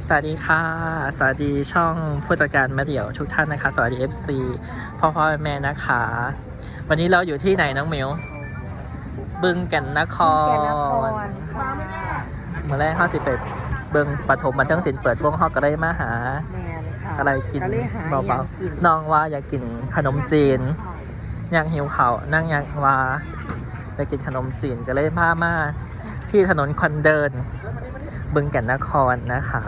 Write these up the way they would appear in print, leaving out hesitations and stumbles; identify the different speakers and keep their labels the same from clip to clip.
Speaker 1: สวัสดีค่ะสวัสดีช่องผู้จัดการมาเดี่ยวทุกท่านนะคะสวัสดี FC พ่อแม่นะคะวันนี้เราอยู่ที่ไหนน้องมิวบึงแก่นนครเมื่อแรก50เป็ดเบิงปฐมบันเทิงศิลป์เปิดวงฮอกก็ได้มาหาอะไรกินเบาๆน้องว่าอยากกินขนมจีนอยากหิวเขานั่งอยากว่าอยากกินขนมจีนก็เลยพามาที่ถนนคนเดินบึงแก่นนครนะคะ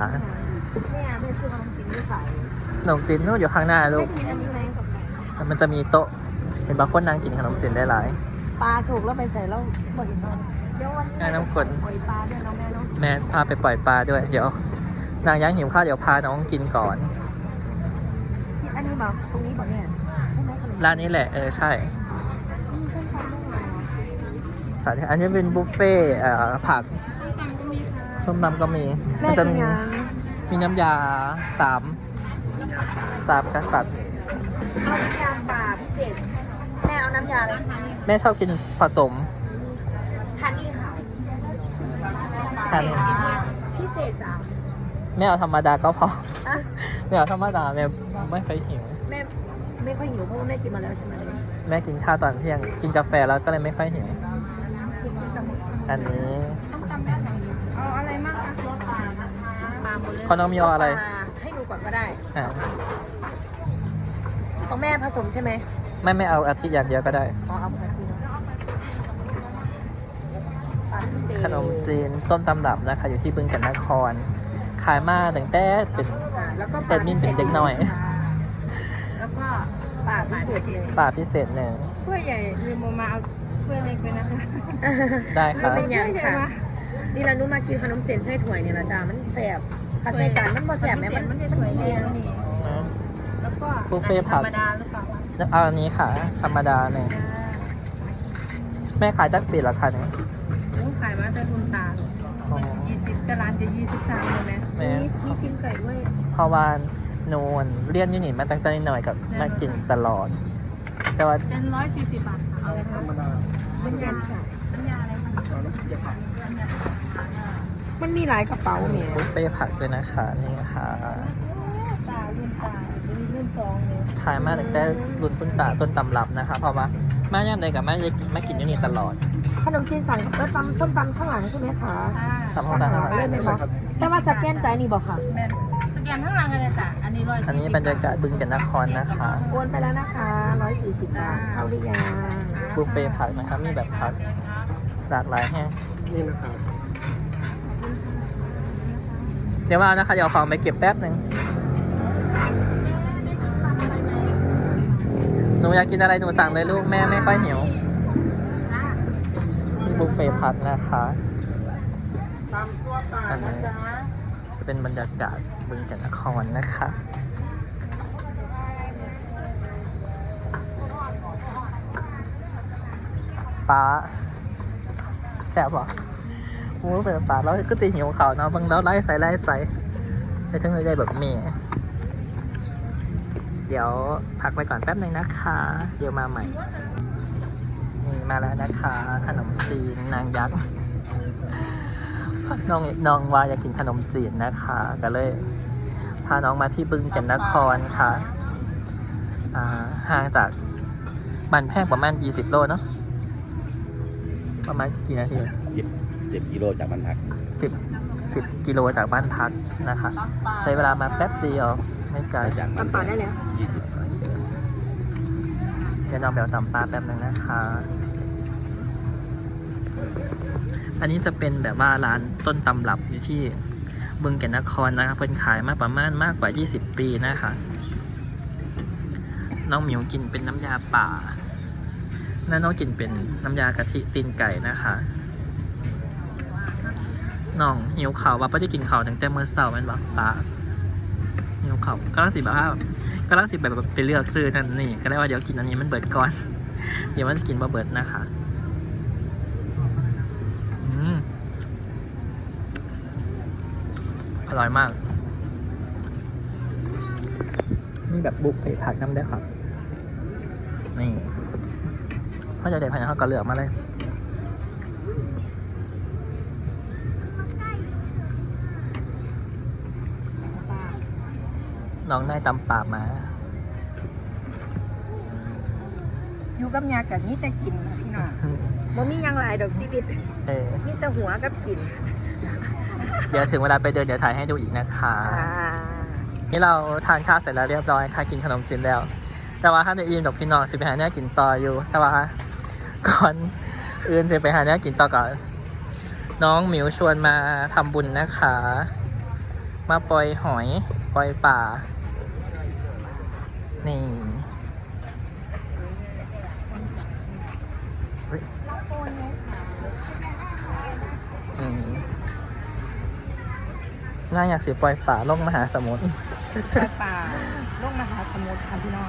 Speaker 1: ขนมจีนนู่นอยู่ข้างหน้าลูกมันจะมีโต๊ะเป็นบางคนนั่งกินขนมจีนได้หลาย
Speaker 2: ปลาสุกแล้วไปใส่แล้วหมดอีกหน่อยเดี๋ยววันนี้
Speaker 1: น้ำกล
Speaker 2: ปล่อยปลาด้วยน้องเนาะ
Speaker 1: แม่พาไปปล่อยปลาด้วยเดี๋ยวนางย่างหิวข้าวเดี๋ยวพาน้องกินก่อน
Speaker 2: อันนี้บอกตรงนี้บอกเนี่ย
Speaker 1: ร้านนี้แหละใช่สัตว์อันนี้เป็นบุฟเฟ่ผักส้มตำก็มีมันจะมีน้ำยาสามกษัตริย์
Speaker 2: เอาน้ำยาป่าพิเศษแม่เอาน้ำยาอะไร
Speaker 1: แม่ชอบกินผสม
Speaker 2: ฮันนี่ค่ะพิเศษจ้ะ
Speaker 1: แม่เอาธรรมดาก็พอแม่เอาธรรมดาแม่ไม่ค่อยหิว
Speaker 2: แม่ไม่ค่อยหิวเพราะว่าแม่กินมาแล้วใช่ไหม
Speaker 1: แม่กินข้าวตอนเที่ยงกินกาแฟแล้วก็เลยไม่ค่อยหิวอันนี้
Speaker 2: เอาอะไรมากคะปลาหมดเลย
Speaker 1: เขาน้องมีอะไร
Speaker 2: ให้ดูก่อนก็ได้ของแม่ผสมใช่ไหม
Speaker 1: ไม่เอาอาทิตย์อย่างเดียวก็ได้
Speaker 2: เอาอาทิตย์
Speaker 1: ขนมจีนต้นตำรับนะคะอยู่ที่บึงแก่นนครขายมาตั้งแต่เป็นมินเป็นเด็กหน่อย
Speaker 2: แล้วก็ป่าพิเศษเลย
Speaker 1: ป่าพิเศษหนึ่ง
Speaker 2: ถ้วยใหญ่ลืมมาเอาถ้วยเล็กไปนะคะ
Speaker 1: ได้ค่ะ
Speaker 2: ไม่ยังค่ะนี่เรานุ่มากินขนมเส้นไส้ถั่วเนี่ยนะจ๊ะมันแสบผัดไส้จานมันบ่แสบไหมมันถั่วเลี้ยงนี่แล้วก็
Speaker 1: บุฟเฟ่ผักธรรมดาหรือเปล่าเอาอันนี้ค่ะธรรมดาหนึ่งแม่ขายจักปีละคะเนี่ย
Speaker 2: ขายมาแต่ทุนตา20แต่ร้านจะ23เลยไหมมีกินไก่ด้วย
Speaker 1: เพราะว่าโนนเรียนยูนิตมาตั้งแต่นิดหน่อยกับมากินตลอดแต่ว่า
Speaker 2: เป็น140 บาทค่ะเอาเลยค่ะสัญญาอะไรมันมีหลายกระเป๋าเนี่ย
Speaker 1: บุฟเฟ่ผักด้วยนะคะนี่ค่ะ
Speaker 2: ตารุ่นสองเนี่ย
Speaker 1: ขายมาตั้งแต่รุ่นคุณตาต้นตำรับนะคะเพราะว่าแม่ย่ำเลยกับแม่กินยูนิตตลอด
Speaker 2: ขนมจีนสั่งแล้วตำส้มตำข้างหลังใช่ไหมคะ
Speaker 1: ส้มตำข้างหลัง
Speaker 2: เล่นไหมคะแต่ว่าสแกนใจนี่บอกค่ะสแกนข้างหลังอะไรจ้ะอันนี้
Speaker 1: บรรยากาศบึงแก่นนครนะคะ
Speaker 2: โอนไปแล้วนะคะ140 บาทเข้าหรือยัง
Speaker 1: บุฟเฟ่ผักนะคะมีแบบผักหลากหลายแห้งนี่นะครับเดี๋ยวมานะคะเดี๋ยวของไปเก็บแป๊บหนึ่งหนูอยากกินอะไรหนูสั่งเลยลูกแม่ไม่ค่อยหิวบุฟเฟ่ผักนะคะอันนี้จะเป็นบรรยากาศบึงแก่นนครนะคะปลาแซ่บหรอโอ้เป็นปลาแล้วก็จะหิวเขาเนาะบางแล้วไล่ใส่ไปทั้งเลยได้แบบเมียเดี๋ยวพักไปก่อนแป๊บนึงนะคะเดี๋ยวมาใหม่นี่มาแล้วนะคะขนมจีนนางยักษ์น้องว่าอยากกินขนมจีนนะคะก็เลยพาน้องมาที่บึงแก่นนครค่ะห่างจากบ้านแพงประมาณ20 โลเนาะประมาณกี่นาที
Speaker 3: 10 กิโลจากบ้านพัก
Speaker 1: 10 กิโลจากบ้านพักนะคะใช้เวลามาแป๊บเดียวไม่ไกล
Speaker 3: จากบ้าน
Speaker 2: พักได้แล้ว
Speaker 1: เดี๋ยวน้องเบลจำปาแป๊บนึงนะคะอันนี้จะเป็นแบบว่าร้านต้นตำรับอยู่ที่บึงแก่นนครนะคะเพิ่นขายมาประมาณมากกว่า20 ปีนะคะน้องหมิวกินเป็นน้ำยาป่าน้องกินเป็นน้ำยากะทิตีนไก่นะคะน้องหิวข่าวว่าป้าจะกินข่าวตั้งแต่เมื่อเช้าแม่นบอกป้าหิวข่าวกำลังสิแบบไปเลือกซื้อนั่นนี่ก็ได้ว่าเดี๋ยวกินอันนี้มันเบิดก่อนเดี๋ยวมันจะกินบ่เบิดนะคะอร่อยมากนี่แบบบุฟเฟ่ผักน้ำได้ครับนี่พ่อจะเด็ดพันธุ์เขาก็เลือกมาเลยน้องได้ตำป่ามา
Speaker 2: อยู่กับยากับนี่จะกินนะพี่น้องบ่มีหยังหลายดอกชีวิต
Speaker 1: เออ
Speaker 2: มีแต่หัวกับกิน
Speaker 1: เดี๋ยวถึงเวลาไปเดินเดี๋ยวถ่ายให้ดูอีกนะคะ นี่เราทานข้าวเสร็จแล้วเรียบร้อยค่ะกินขนมจีนแล้ว แต่ว่าถ้าในอิ่มดอกพี่น้องสิไปหาเนื้อกินต่ออยู่ แต่ว่าก่อนอื่นจะไปหาเนื้อกินต่อก่อนน้องหมิวชวนมาทำบุญนะคะ มาปล่อยหอยปล่อยป่านี่เฮ้ยน่าอยากสิปล่อยป่าลงมหาสมุทร
Speaker 2: ป่าลงมหาสมุทรค่ะพี่น้อง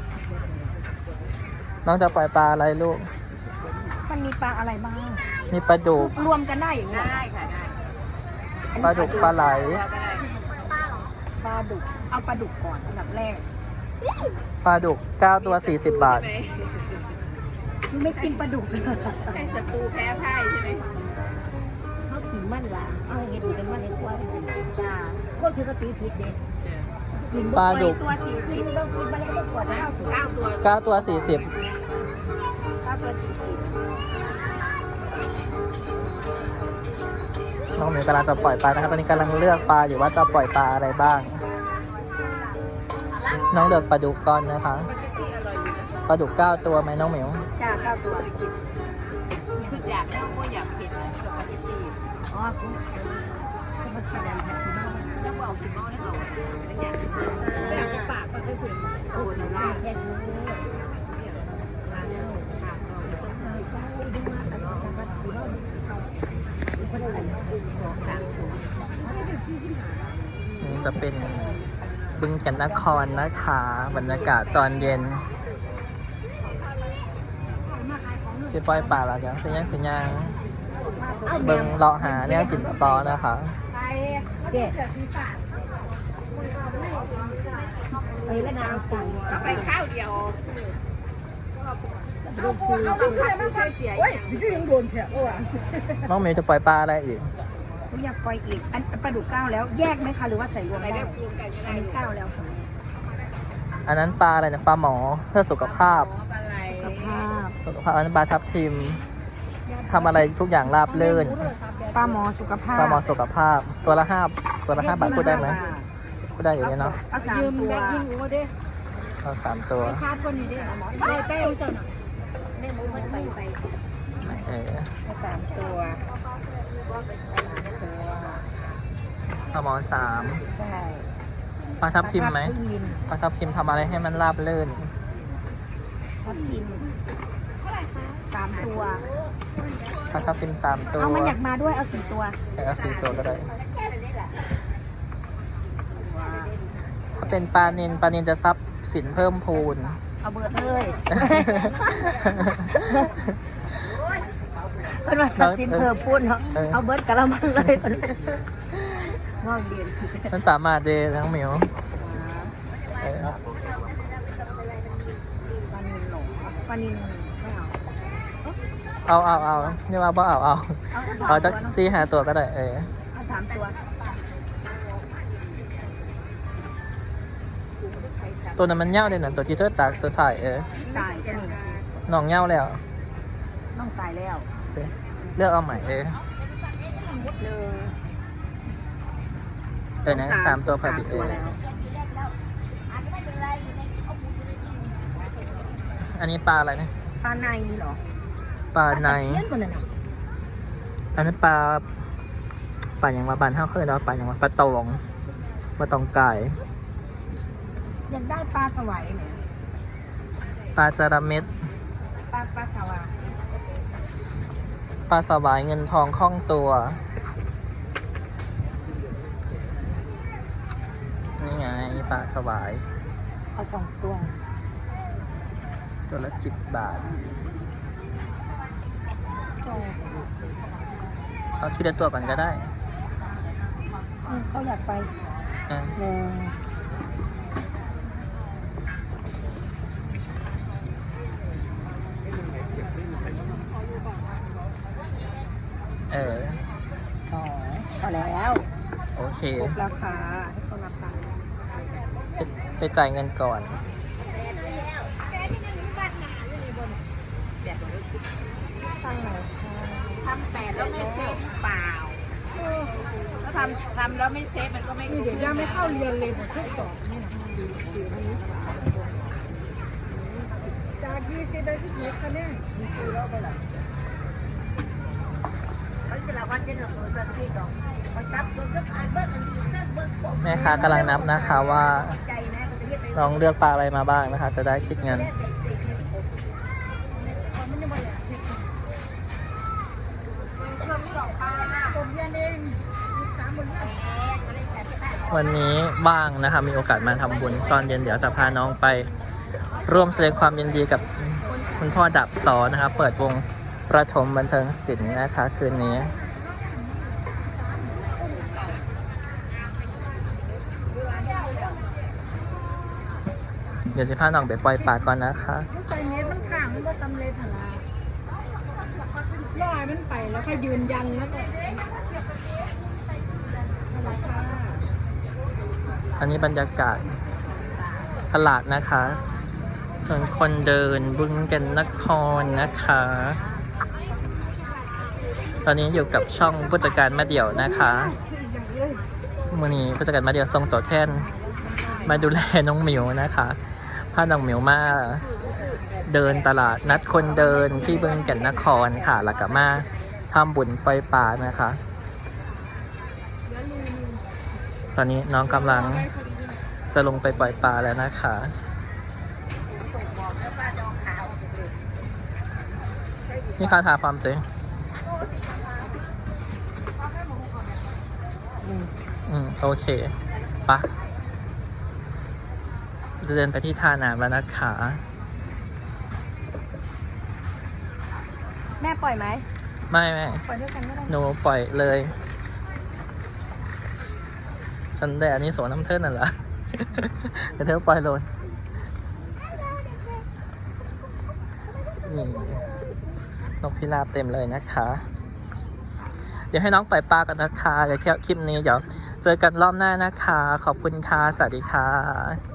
Speaker 1: น้องจะปล่อยปลาอะไรลูก
Speaker 2: มันมีปลาอะไรบ้าง
Speaker 1: มีปลาดุก
Speaker 2: รวมกันได้อย่างนี้ได้ค่ะ
Speaker 1: ปลาดุกปลาไหล
Speaker 2: ปลาดุกเอาปลาดุกก่อนอันดับแรก
Speaker 1: ปลาดุก9ตัว40 บาท
Speaker 2: ไม่กินปลาดุกเลย
Speaker 4: ใส่ศัตรูแพ้พ่ายใช่ไหม
Speaker 2: เขากินมันละเอาเห็ดเป็นมันเห็ดกว่าจ้าคนคือก็ตีผิดเด็ด
Speaker 1: ปลาดุก
Speaker 2: ตัว40ต้องกินมาแล้วก็กดแล้ว
Speaker 4: 9 ตัว
Speaker 1: 9 ตัว 40
Speaker 2: ตัว40
Speaker 1: น้องหมิวกำลังจะปล่อยปลานะครับ ตอนนี้กำลังเลือกปลาอยู่ว่าจะปล่อยปลาอะไรบ้าง น้องเลือกปลาดุกก่อนนะคะ ปลาดุก9 ตัวไหมน้องหมิว
Speaker 2: จ้า9ตัว
Speaker 4: คืออยากเล่าว่าอยากเผ็ดนะสปาเกตตี้
Speaker 2: อ๋อคุณมากินอะไรผัดซีบ้า
Speaker 4: แล้วก็เอาคุณเมาให้เราไม่อยากไม่อยากจะปากมันก็ถึงโอ้ยได้
Speaker 2: แค่นี้
Speaker 1: นี่จะเป็นบึงแก่นนครนะคะ บรรยากาศตอนเย็นสิปล่อยปลาแล้วจังสิยังเบิ่งเลาะหาเนี่ยกินต่อนะคะ
Speaker 2: เด็ดไปแล้วนางสั่ง
Speaker 4: ก็ไปข้าวเดียว
Speaker 2: ลูกคือ
Speaker 4: โอ้ย
Speaker 1: น้องหมิวจะปล่อยปลาอะไรอีก
Speaker 2: อยากปล่อยอีกอันปลาดุก9แล้วแยกไหมคะหรือว่าใส่รวม
Speaker 4: ไป
Speaker 2: ได้
Speaker 4: ได้พูดกันยังไง
Speaker 2: อันนี้9แล้วค่ะ
Speaker 1: อันนั้นปลาอะไรนะปลาหมอเพื่อสุขภาพ
Speaker 4: อะไร
Speaker 2: สภาพ
Speaker 1: สุขภาพอันนั้นปลาทับทิมทำอะไรทุกอย่างราบรื่น
Speaker 2: ปลาหมอสุขภาพ
Speaker 1: ปลาหมอสุขภาพตัวละ5 บาทพูดได้ไหมพูดได้อยู่เนี่ยเนาะ
Speaker 2: เอา3ตัว
Speaker 1: เอา3 ตัว
Speaker 2: ชาร์จคนนี้ด้วยหมอได้เต้าจ้ะน่ะ
Speaker 1: เออ
Speaker 2: เอา3ตัว
Speaker 1: ปลาหมอ3
Speaker 2: ใช่
Speaker 1: ปลาทับทิมไหมปลาทับทิมทำอะไรให้มันราบรื่น
Speaker 2: ทับทิม3ตัว
Speaker 1: ปลาทับทิม3 ตัว
Speaker 2: เอามันอยากมาด้วยเอา4ตัว
Speaker 1: เอา4 ตัวก็ได้ถ้าเป็นปลาเนนจะซับสินเพิ่มพูน
Speaker 2: เอาเบิดเลยเพิ่นว่าทับสินเพิ่มพูนเนาะเอาเบิดกะละมังเลยงอกเดียน
Speaker 1: มันสามารถเดทั้งหมิวเออ
Speaker 2: ปลานิลไม่เอา
Speaker 1: เอานี่ว่าบ่เอาจัก4-5 ตัวก็ได้เออ
Speaker 2: เอา3ตัว
Speaker 1: ตัวนั้นมันเง่าเลยนะตัวที่เธอตักสุดท้ายเออ
Speaker 2: ตายก็
Speaker 1: น้องเง่าแล้ว
Speaker 2: ต้องตายแล้ว
Speaker 1: เลือกเอาใหม่เออ นะ3 ตัวพอดีเอออันนี้ปลาอะไรนะ
Speaker 2: ปลาในเหรอ
Speaker 1: ปลาใน
Speaker 2: เพี้ยนกว่านั้นอ่ะ
Speaker 1: อันนั้นปลาอย่างว่าบานเท่าเคยเนาะปลาอย่างว่าปลาตองไก่
Speaker 2: อยากได้ปลาสวายไหม
Speaker 1: ปลาจาระเม็ด
Speaker 2: ปลาสวาย
Speaker 1: ปลาสวายเงินทองคล่องตัวนี่ไงปลาสวาย
Speaker 2: เอา2 ตัว
Speaker 1: ตัวละ10 บาทเอาทีละตัวก่อนก็ได้
Speaker 2: เขาอยากไป
Speaker 1: เออเออ
Speaker 2: 2พอแล้ว
Speaker 1: โอเค
Speaker 2: ครบราคาให้คนราคา
Speaker 1: ไปจ่ายเงินก่อน
Speaker 2: ตั้งไหน
Speaker 4: ทำ8แล้วไม่เซฟเปล่าถ้าทำแล้วไม่เซฟมันก็ไม่เดี๋ยวย่าไม่เข้าเรียนเลยทดสอบนี่นะจาก20ได้16คะแนน
Speaker 1: แม่ค้ากำลังนับนะคะว่าน้องเลือกปลาอะไรมาบ้างนะคะ จะได้คิดเงิน วันนี้ว่างนะคะ มีโอกาสมาทำบุญตอนเย็นเดี๋ยวจะพาน้องไป ร่วมแสดงความยินดีกับคุณพ่อดับสอนนะคะ เปิดวงประถมบันเทิงศิลป์นะคะคืนนี้ เดี๋ยวจะพาน้องไปปล่อยปลาก่อนนะคะ
Speaker 4: ใส่เมตรมันข้างมันก็สำเร็จหรอลอยมันไปแล้วก็ยืนยันแล้วก็
Speaker 1: อันนี้บรรยากาศตลาดนะคะถนนคนเดินบึงแก่นนครนะคะ ตอนนี้อยู่กับช่องผู้จัดการมาเดี่ยวนะคะมื่อนี้ผู้จัดการมาเดี่ยวส่งตัวแทนมาดูแลน้องหมิวนะคะพาน้องหมิวมาเดินตลาดนัดคนเดินที่บึงแก่นนครค่ะแล้วก็มาทำบุญปล่อยปลานะคะ ตอนนี้น้องกำลังจะลงไปปล่อยปลาแล้วนะคะนี่ค่าทาความเต็มโอเคปะจะเดินไปที่ท่าน้ำแล้วนะคะ
Speaker 2: แม่ปล่อยไหม
Speaker 1: ไม่
Speaker 2: ปล่อยด้วยกันก็ได้
Speaker 1: หนูปล่อยเลยฉันแต่อันนี้สวนน้ำเทินน่ะเหรอ เดี๋ยวเธอปล่อยโลนนี่นกพิราบเต็มเลยนะคะ เดี๋ยวให้น้องปล่อยปลากันนะคะเดี๋ยวแค่คลิปนี้เดี๋ยวเจอกันรอบหน้านะคะ ขอบคุณค่ะ สวัสดีค่ะ